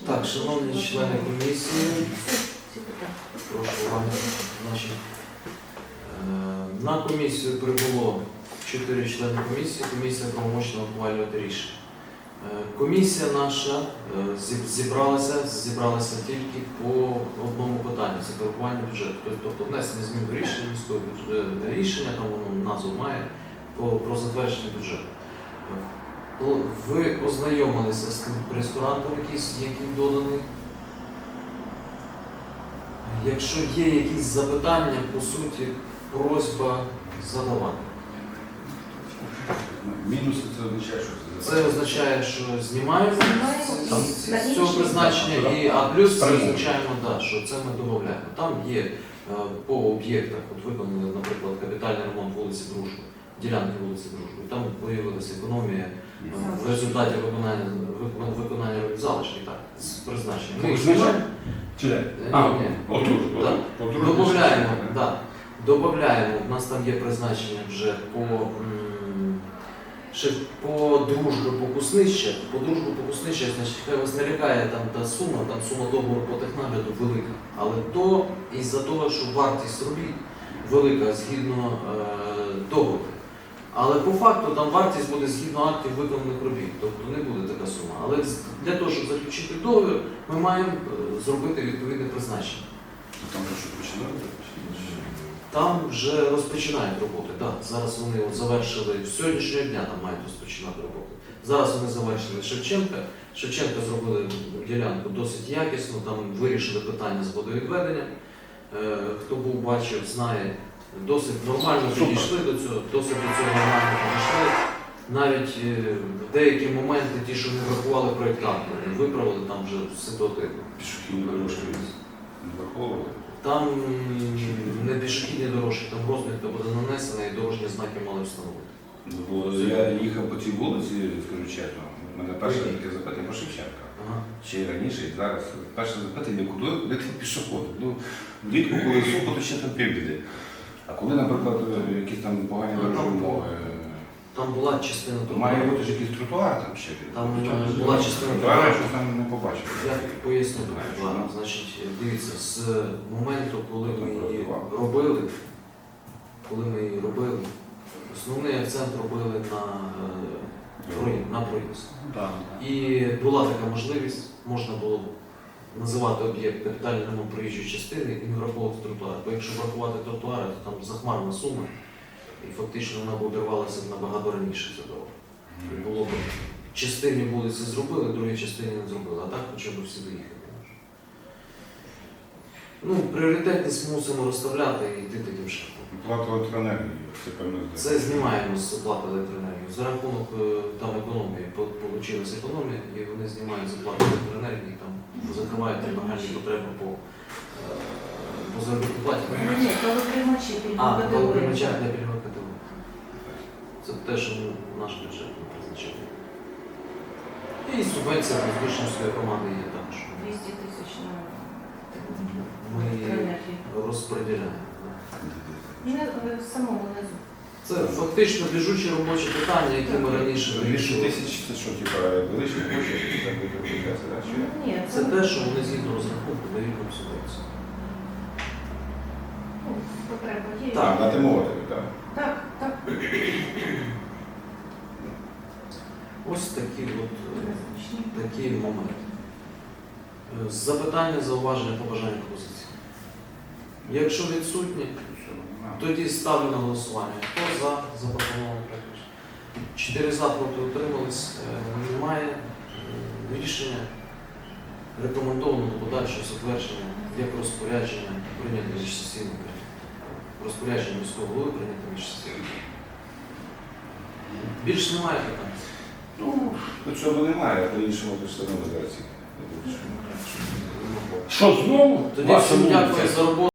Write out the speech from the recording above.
Так, шановні члени комісії, прошу уваги. Значить, на комісію прибуло 4 члени комісії, комісія правомочна ухвалювати рішення. Комісія наша зібралася тільки по одному питанню, це коригування бюджету. Тобто внесення змін до рішення міського рішення, там воно назву має, про затвердження бюджету. Ви ознайомилися з тим прескурантом, який доданий. Якщо є якісь запитання, по суті, просьба задавати. Мінуси це означає, що це означає, що знімаємо з цього призначення, а плюс це означаємо, що це ми додаємо. Там є по об'єктах, от виконали, наприклад, капітальний ремонт вулиці Дружби, ділянки вулиці Дружби, і там виявилася економія в результаті виконання залишки, так, з призначенням. Ми їх знімаємо. Додаємо, у нас там є призначення вже по дружбі покуснища. По дружбі покуснища, значить, хай вас не лякає там та сума договору по технагляду велика. Але то із-за того, що вартість робіт велика згідно договору. Але по факту там вартість буде згідно актів виконаних робіт, тобто не буде така сума. Але для того, щоб заключити договір, ми маємо зробити відповідне призначення. Там вже що починали? Там вже розпочинають роботи. Так. Зараз вони завершили, з сьогоднішнього дня там мають розпочинати роботи. Зараз вони завершили Шевченка. Шевченка зробили ділянку досить якісно, там вирішили питання з водовідведенням. Хто був, бачив, знає, досить нормально підійшли до цього, нормально підійшли. Навіть в деякі моменти, ті, що не врахували проєктанти, виправили там вже ситуативно. Пішохідні дорожки не враховували? Там не пішохідні дорожки, там розмітка буде нанесена і дорожні знаки мали встановити. Бо я їхав по цій вулиці, скажу чесно, у мене перше таке запитання по Шевченка. Ще й раніше, і зараз. Перше запитання, куди там пішоходи? Влітку, коли сухо, то ще там півбіди. А коли, наприклад, якісь там погані дорожні умови, там була частина тротуару. має бути ж якийсь тротуар там ще. Там була частина тротуару. тротуару. Я там не побачив. Я поясню тротуару. Значить, дивіться, з моменту, коли ми її робили, основний акцент робили на проїзд. І була така можливість, можна було називати об'єкт капітальний ремонт проїжджої частини і не враховувати тротуар. Бо якщо врахувати тротуари, то там захмарна сума, і фактично вона б обірвалася набагато раніше за дорогу. Було б частині вулиці зробили, другій частині не зробили, а так хоча б всі доїхали. Пріоритетність мусимо розставляти і йти таким шляхом. Плата електроенергії, це певно. Це знімаємо з оплати електроенергії. За рахунок там економії, получилась економія, і вони знімають з оплати електроенергії, там закривають нагальні потреби по заробітній платі. Ні, коли приймачі пільгової категорії. Коли приймачають на пільгову категорію. Це те, що наш бюджет не призначає. І субвенція Воздушнівської громади є також. 200 тисяч на Ми електроенергію. розподіляємо. В самому низу. Це фактично біжучі робочі питання, які ми раніше 200 вирішували. тисяч це що, типа, величні гроші, так використовується, так? Ні, Це те, що вони згідно розрахунку дають нам субвенцію. потреба є. Так. На тимовати, так? Так. Ось такі моменти. Запитання, зауваження, побажання, пропозиції. Якщо відсутні, тоді ставлю на голосування. Хто за запропонований проект рішення? 4 за, проти утримались. Немає рішення. Рекомендовано до подальшого затвердження як розпорядження прийняти міжсесійне розпорядження міського голови прийняти міжсесійне. Більше немає питань. До цього немає, а по-іншому то все одно зараз. Що знову? Тоді всім дякую за роботу.